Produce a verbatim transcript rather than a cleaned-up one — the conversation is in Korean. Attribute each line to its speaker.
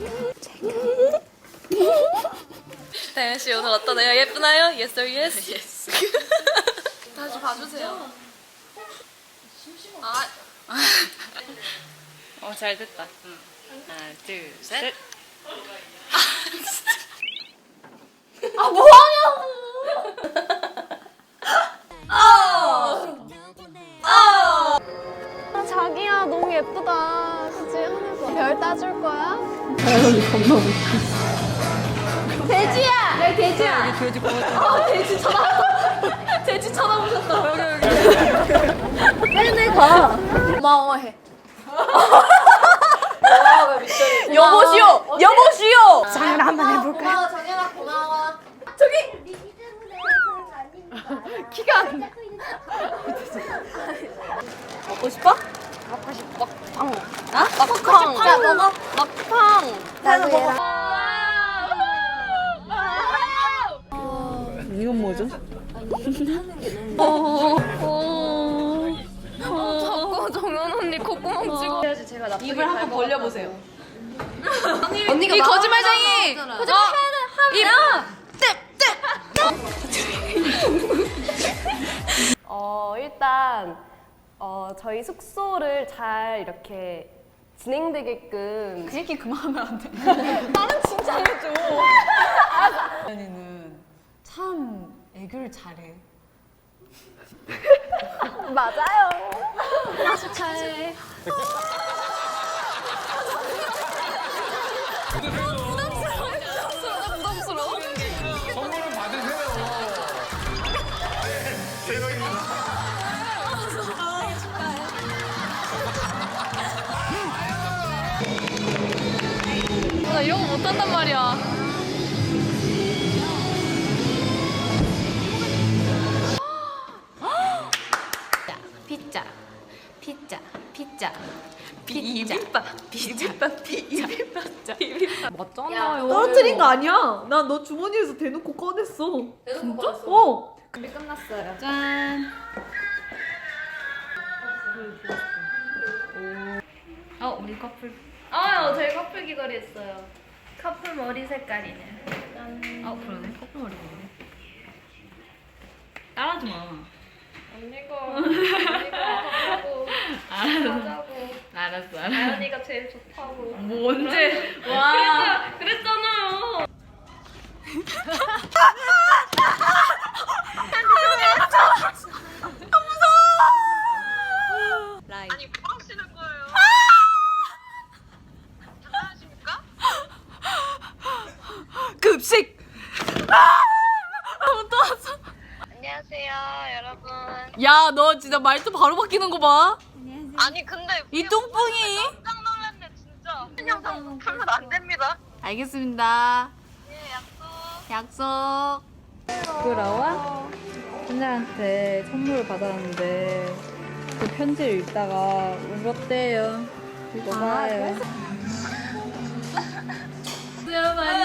Speaker 1: 다현 씨 오늘 어떠나요? 예쁘나요? Yes or yes? Yes. 다시 봐주세요. 아,
Speaker 2: 어, 잘 됐다. 응. 하나, 둘, 셋.
Speaker 1: 아 뭐하냐고! 아, 자기야 너무 예쁘다. 그치? 하늘봐. 별 따줄 거야? 다현이 겁나 웃겨. 돼지야! 야 돼지야!
Speaker 2: 여기 돼지 고맙다.
Speaker 1: 아 돼지 쳐다 돼지 쳐다보셨다. 여기 여기. 네네 가. 고마워해. 여보시오! 여보시오! 장을 한번 해볼까요? 고마워 정연아 고마워. 저기! 키가 안 나. 먹고 싶어? 먹고 싶어. 빵. 아? 막팡. 야 먹어. 막팡. 나도 먹어.
Speaker 2: 이건 뭐죠?
Speaker 1: 자꾸 정연 언니 콧구멍 찍어. 입을 한번 벌려보세요. 언니가 이 거짓말쟁이! 거짓말 하면
Speaker 3: 어, 일단 어, 저희 숙소를 잘 이렇게 진행되게끔
Speaker 1: 그 얘기 그만하면 안 돼.
Speaker 3: 나는 진짜 해줘.
Speaker 2: 다현이는 참 애교를 잘해.
Speaker 3: 맞아요.
Speaker 1: 축하해.
Speaker 4: 선물은 받으세요. 대박입니다.
Speaker 1: 나 이런 거 못한단 말이야. 피자, 피자, 피자, 비빔밥, 비빔밥, 비빔밥, 비빔밥.
Speaker 2: 맞잖아요.
Speaker 5: 떨어뜨린 거 아니야. 난 너 주머니에서 대놓고 꺼냈어.
Speaker 1: 진짜?
Speaker 5: 어.
Speaker 3: 준비 끝났어요.
Speaker 2: 짠. 어, 우리 커플.
Speaker 1: 아, 저희 커플 귀걸이 했어요. 커플 머리 색깔이네.
Speaker 2: 아, 그러네. 커플 머리 보네. 따라하지 마.
Speaker 1: 언니가 언니가 하자고 하자고.
Speaker 2: 알았어, 알았어.
Speaker 1: 다현이가 제일 좋다고.
Speaker 2: 뭐 언제? 와.
Speaker 1: 그랬잖아, 그랬잖아요.
Speaker 6: 아니 뭐 하시는 거예요? 장난하십니까?
Speaker 5: 급식.
Speaker 6: 안녕하세요 여러분.
Speaker 5: 야, 너 진짜 말투 바로 바뀌는 거 봐.
Speaker 6: 아니 근데
Speaker 5: 이 뚱뿡이.
Speaker 6: 깜짝 놀랐네 진짜. 영상 보면 안 됩니다.
Speaker 5: 알겠습니다.
Speaker 6: 예 약속.
Speaker 5: 약속.
Speaker 2: 부끄러워? 신자한테 선물을 받았는데 그 편지를 읽다가 울었대요. 읽어봐요.
Speaker 1: 수요 많이